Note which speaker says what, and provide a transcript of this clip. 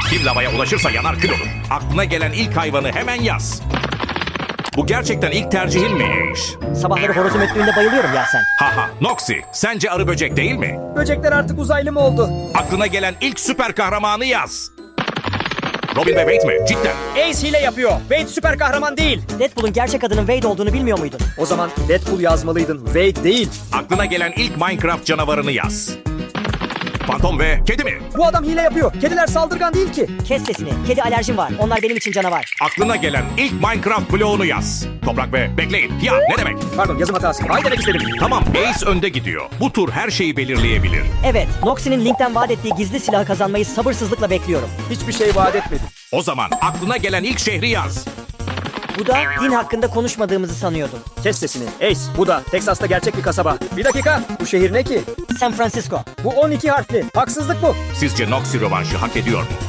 Speaker 1: Bir lavaya ulaşırsa yanar kül olur. Aklına gelen ilk hayvanı hemen yaz. Bu gerçekten ilk tercihinmiş.
Speaker 2: Sabahları horozum öttüğünde bayılıyorum ya sen.
Speaker 1: Haha, Noxy, sence arı böcek değil mi?
Speaker 3: Böcekler artık uzaylı mı oldu?
Speaker 1: Aklına gelen ilk süper kahramanı yaz. Robin ve Wade mi? Cidden.
Speaker 3: Ace hile yapıyor. Wade süper kahraman değil.
Speaker 2: Deadpool'un gerçek adının Wade olduğunu bilmiyor muydun?
Speaker 3: O zaman Deadpool yazmalıydın. Wade değil.
Speaker 1: Aklına gelen ilk Minecraft canavarını yaz. Fantom ve kedi mi?
Speaker 3: Bu adam hile yapıyor. Kediler saldırgan değil ki.
Speaker 2: Kes sesini. Kedi alerjim var. Onlar benim için canavar.
Speaker 1: Aklına gelen ilk Minecraft bloğunu yaz. Toprak ve bekleyin. Ya ne demek?
Speaker 3: Pardon, yazım hatası. Ay demek istedim.
Speaker 1: Tamam, Ace önde gidiyor. Bu tur her şeyi belirleyebilir.
Speaker 2: Evet, Noxie'nin Link'ten vaat ettiği gizli silahı kazanmayı sabırsızlıkla bekliyorum.
Speaker 3: Hiçbir şey vaat etmedim.
Speaker 1: O zaman aklına gelen ilk şehri yaz.
Speaker 2: Bu da din hakkında konuşmadığımızı sanıyordum.
Speaker 3: Kes sesini. Ace, bu da Teksas'ta gerçek bir kasaba. Bir dakika. Bu şehir ne ki?
Speaker 2: San Francisco.
Speaker 3: Bu 12 harfli. Haksızlık bu.
Speaker 1: Sizce Noxy rövanşı hak ediyor mu?